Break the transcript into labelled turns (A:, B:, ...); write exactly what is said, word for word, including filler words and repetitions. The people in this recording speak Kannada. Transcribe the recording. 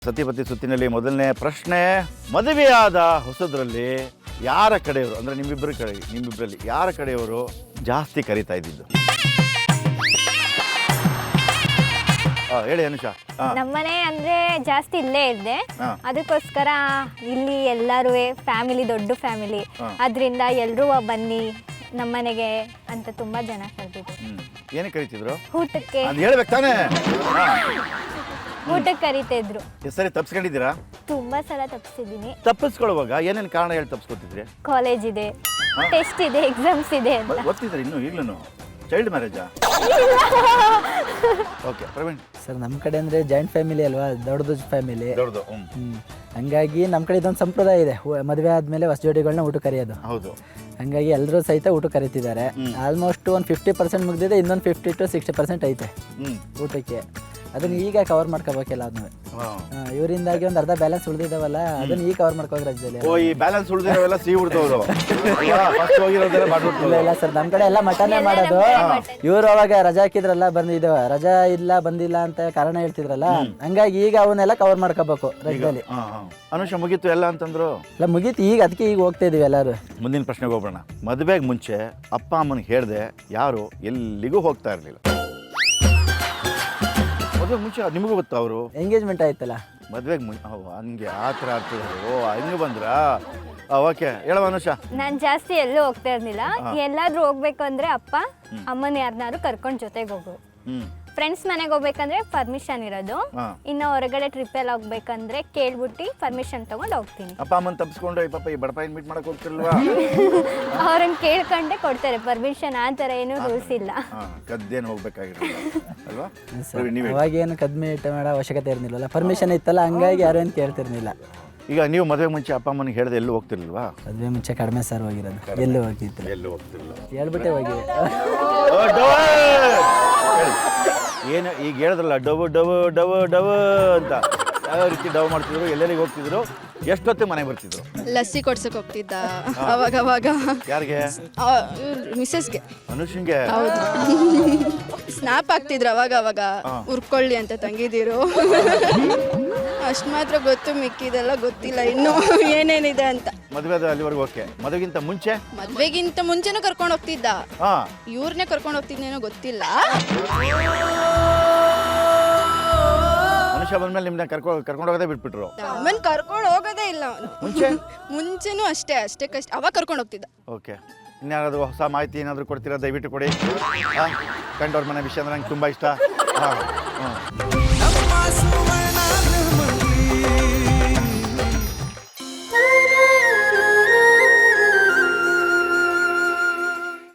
A: ಸತಿಪತಿ ಸುತ್ತಿನಲ್ಲಿ ಮೊದಲನೇ ಪ್ರಶ್ನೆ, ಮದುವೆಯಾದ ಹೊಸದ್ರಲ್ಲಿ ಯಾರ ಕಡೆಯವರು ಅಂದ್ರೆ ನಿಮ್ಮಿಬ್ಬರ ಕಡೆ ನಿಮ್ಮಿಬ್ಬರಲ್ಲಿ ಯಾರ ಕಡೆಯವರು ಜಾಸ್ತಿ ಕರೀತಾ ಇದ್ದಿದ್ದು? ಹೇಳಿ ಅನುಷಾ.
B: ನಮ್ಮನೆ ಅಂದ್ರೆ ಜಾಸ್ತಿ ಇಲ್ಲೇ ಇದ್ದೆ, ಅದಕ್ಕೋಸ್ಕರ ಇಲ್ಲಿ ಎಲ್ಲರೂ ಫ್ಯಾಮಿಲಿ, ದೊಡ್ಡ ಫ್ಯಾಮಿಲಿ, ಅದರಿಂದ ಎಲ್ಲರೂ ಬನ್ನಿ ನಮ್ಮನೆಗೆ ಅಂತ ತುಂಬಾ ಜನ ಕರೆದಿದ್ರು.
A: ಏನಕ್ಕೆ ಕರೀತಿದ್ರು?
B: ಊಟಕ್ಕೆ.
A: ಹೇಳ್ಬೇಕು ತಾನೇ,
B: ಊಟಕ್ಕೆ ಕರೀತಿದ್ರು.
A: ಸರಿ ತಪ್ಪಿಸ್ಕೊಂಡಿದ್ದೀರಾ?
B: ತುಂಬಾ ಸಲ ತಪ್ಪಿಸಿದ್ದೀನಿ.
A: ತಪ್ಪಿಸ್ಕೊಳ್ಳುವಾಗ ಏನೇನು ಕಾರಣ ಹೇಳಿ ತಪ್ಪಿಸ್ಕೊತಿದ್ರಿ?
B: ಕಾಲೇಜ್ ಇದೆ, ಟೆಸ್ಟ್ ಇದೆ, ಎಕ್ಸಾಮ್ಸ್ ಇದೆ ಅಂತ.
A: ಓದ್ತಿದ್ರಿ ಇನ್ನು ಈಗಲೂ? ಚೈಲ್ಡ್ ಮ್ಯಾರೇಜಾ? ಓಕೆ ಪ್ರವೀಣ್
C: ಸರ್, ನಮ್ಮ ಕಡೆ ಅಂದರೆ ಜಾಯಿಂಟ್ ಫ್ಯಾಮಿಲಿ ಅಲ್ವಾ, ದೊಡ್ಡದು ಫ್ಯಾಮಿಲಿ.
A: ದೊಡ್ಡದು.
C: ಹ್ಞೂ ಹಂಗಾಗಿ ನಮ್ಮ ಕಡೆ ಇದೊಂದು ಸಂಪ್ರದಾಯ ಇದೆ, ಮದುವೆ ಆದಮೇಲೆ ಹೊಸ ಜೋಡಿಗಳನ್ನ ಊಟ ಕರೆಯೋದು.
A: ಹೌದು.
C: ಹಂಗಾಗಿ ಎಲ್ಲರೂ ಸಹಿತ ಊಟ ಕರೀತಿದ್ದಾರೆ. ಆಲ್ಮೋಸ್ಟ್ ಒಂದು ಫಿಫ್ಟಿ ಪರ್ಸೆಂಟ್ ಮುಗಿದಿದೆ, ಇನ್ನೊಂದು ಫಿಫ್ಟಿ ಟು ಸಿಕ್ಸ್ಟಿ ಪರ್ಸೆಂಟ್ ಐತೆ ಊಟಕ್ಕೆ. ಅದನ್ನ ಈಗ ಕವರ್ ಮಾಡ್ಕೋಬೇಕಿಲ್ಲ ಅದನ್ನು. ಇವರಿಂದಾಗಿ ಒಂದು ಅರ್ಧ ಬ್ಯಾಲೆನ್ಸ್ ಉಳಿದಿದ್ದಾವಲ್ಲ, ಅದನ್ನ ಈಗ ಕವರ್ ಮಾಡ್ಕೋಗಿ ರಾಜ್ಯದಲ್ಲಿ.
A: ಓ, ಈ ಬ್ಯಾಲೆನ್ಸ್ ಉಳಿದಿರೋವೆಲ್ಲ ಸಿಹಿ ಉಳಿದವರು.
C: ಇಲ್ಲ ಇಲ್ಲ ಸರ್, ನಮ್ಮ ಕಡೆ ಎಲ್ಲ ಮಟನೇ ಮಾಡೋದು. ಇವರು ಅವಾಗ ರಜಾ ಹಾಕಿದ್ರಲ್ಲ, ಬಂದಿದ್ದೇವ ರಜಾ ಇಲ್ಲ ಬಂದಿಲ್ಲ ಅಂತ ಕಾರಣ ಹೇಳ್ತಿದ್ರಲ್ಲ, ಹಂಗಾಗಿ ಈಗ ಅವನ್ನೆಲ್ಲ ಕವರ್ ಮಾಡ್ಕೋಬೇಕು ರಾಜ್ಯದಲ್ಲಿ.
A: ಅನುಷ ಮುಗೀತು ಎಲ್ಲ ಅಂತಂದ್ರು?
C: ಇಲ್ಲ ಮುಗೀತು, ಈಗ ಅದಕ್ಕೆ ಈಗ ಹೋಗ್ತಾ ಇದೀವಿ ಎಲ್ಲರೂ.
A: ಮುಂದಿನ ಪ್ರಶ್ನೆಗೆ ಹೋಗೋಣ. ಮದುವೆಗೆ ಮುಂಚೆ ಅಪ್ಪ ಅಮ್ಮನಿಗೆ ಹೇಳ್ದೆ ಯಾರು ಎಲ್ಲಿಗೂ ಹೋಗ್ತಾ ಇರಲಿಲ್ಲ. ಮದುವೆಗೆ ಮುಂಚೆ ನಿಮಗೂ ಗೊತ್ತಾ ಅವರು
C: ಎಂಗೇಜ್ಮೆಂಟ್ ಆಯ್ತಲ್ಲ?
A: ಮದುವೆಗೆ ಮುಂಚೆ ಹಂಗೆ ಆ ಥರ ಆಗ್ತದೆ. ಓ ಹಂಗೆ ಬಂದ್ರಾ? ಓಕೆ, ಹೇಳುವ ಅನುಷಾ.
B: ನಾನು ಜಾಸ್ತಿ ಎಲ್ಲೂ ಹೋಗ್ತಾ ಇರ್ಲಿಲ್ಲ. ಎಲ್ಲಾದ್ರೂ ಹೋಗ್ಬೇಕು ಅಂದ್ರೆ ಅಪ್ಪ ಅಮ್ಮನ ಯಾರನ್ನಾರು ಕರ್ಕೊಂಡು ಜೊತೆಗೆ ಹೋಗು. ಫ್ರೆಂಡ್ಸ್ ಮನೆಗೆ ಹೋಗ್ಬೇಕಂದ್ರೆ ಪರ್ಮಿಷನ್ ಇರೋದು. ಇನ್ನು ಹೊರಗಡೆ ಟ್ರಿಪ್ ಎಲ್ಲ ಹೋಗ್ಬೇಕಂದ್ರೆ ಕೇಳ್ಬಿಟ್ಟು ಪರ್ಮಿಷನ್ ತಗೊಂಡು ಹೋಗ್ತೀನಿ.
A: ಅಪ್ಪ ಅಮ್ಮನ ತಪ್ಪಿಸ್ಕೊಂಡು ಪಾಪ ಈ ಬಡಪಾಯಿನ ಮೀಟ್ ಮಾಡಕ್ ಹೋಗ್ತಿಲ್ವಾ?
B: ಅವ್ರನ್ನ ಕೇಳ್ಕೊಂಡೆ ಕೊಡ್ತಾರೆ ಪರ್ಮಿಷನ್, ಆ ಥರ ಏನೂ ರೂಲ್ಸ್ ಇಲ್ಲ.
A: ಕದ್ದೇನು ಹೋಗ್ಬೇಕಾಗಿರಲ್ಲ ಅಲ್ವಾ?
C: ಅವಾಗೇನು ಕದ್ಮೆ ಇಟ್ಟ ಮಾಡೋ ಅವಶ್ಯಕತೆ ಇರ್ಲಿಲ್ಲ, ಪರ್ಮಿಷನ್ ಇತ್ತಲ್ಲ, ಹಂಗಾಗಿ ಯಾರು ಏನು ಕೇಳ್ತಿರ್ಲಿಲ್ಲ.
A: ಈಗ ನೀವು ಮದುವೆ ಮುಂಚೆ ಅಪ್ಪ ಅಮ್ಮನಿಗೆ ಹೇಳ್ದೆ ಎಲ್ಲೂ ಹೋಗ್ತಿರ್ಲಿಲ್ವಾ?
C: ಮದುವೆ ಮುಂಚೆ ಕಡಿಮೆ ಸರ್ ಹೋಗಿರೋದು, ಎಲ್ಲೂ ಹೋಗಿತ್ತು.
A: ಎಲ್ಲೂ ಹೋಗ್ತಿರ್ಲಿಲ್ಲ,
C: ಹೇಳ್ಬಿಟ್ಟೆ ಹೋಗಿದೆ.
A: ಏನು ಈಗ ಹೇಳಿದ್ರಲ್ಲ ಡವ್ ಡವ್ ಡವ್ ಡವ್ ಅಂತ, ಯಾವ ರೀತಿ ಡವ್ ಮಾಡ್ತಿದ್ರು, ಎಲ್ಲೆಲ್ಲಿಗೆ ಹೋಗ್ತಿದ್ರು, ಎಷ್ಟೊತ್ತಿಗೆ ಮನೆಗೆ ಬರ್ತಿದ್ರು?
D: ಲಸ್ಸಿ ಕೊಡ್ಸಕ್ ಹೋಗ್ತಿದ್ದ ಅವಾಗ ಅವಾಗ.
A: ಯಾರಿಗೆ?
D: ಮಿಸಸ್ಗೆ,
A: ಅನುಷನ್ಗೆ.
D: ಸ್ನಾಪ್ ಆಗ್ತಿದ್ರು ಅವಾಗ ಅವಾಗ, ಉರ್ಕೊಳ್ಳಿ ಅಂತ ತಂಗಿದಿರು. ಅಷ್ಟು ಮಾತ್ರ ಗೊತ್ತು, ಮಿಕ್ಕಿದೆಲ್ಲ ಗೊತ್ತಿಲ್ಲ ಇನ್ನು ಏನೇನಿದೆ ಅಂತ.
A: ಮದುವೆ ಅಲ್ಲಿವರೆಗೂ ಓಕೆ. ಮದುವೆಗಿಂತ ಮುಂಚೆ?
D: ಮದ್ವೆಗಿಂತ ಮುಂಚೆನೂ ಕರ್ಕೊಂಡು ಹೋಗ್ತಿದ್ದ, ಇವ್ರನ್ನೇ ಕರ್ಕೊಂಡು ಹೋಗ್ತಿದ್ದೇನೋ ಗೊತ್ತಿಲ್ಲ.
A: ಅನುಷಾ ಬಂದ್ಮೇಲೆ ನಿಮ್ನ ಕರ್ಕೊಂಡು ಕರ್ಕೊಂಡು ಹೋಗೋದೇ ಬಿಟ್ಬಿಟ್ರು?
D: ಆಮೇಲೆ ಕರ್ಕೊಂಡು ಹೋಗೋದೇ ಇಲ್ಲ.
A: ಮುಂಚೆ
D: ಮುಂಚೆನೂ ಅಷ್ಟೇ ಅಷ್ಟೇ ಕಷ್ಟ, ಅವಾಗ ಕರ್ಕೊಂಡು ಹೋಗ್ತಿದ್ದ.
A: ಓಕೆ. ಇನ್ಯಾರಾದ್ರೂ ಹೊಸ ಮಾಹಿತಿ ಏನಾದರೂ ಕೊಡ್ತೀರಾ? ದಯವಿಟ್ಟು ಕೊಡಿ. ಕಂಡವ್ರ ಮನೆ ವಿಷಯ ಅಂದ್ರೆ ನಂಗೆ ತುಂಬ ಇಷ್ಟ. ಹಾಂ ಹಾಂ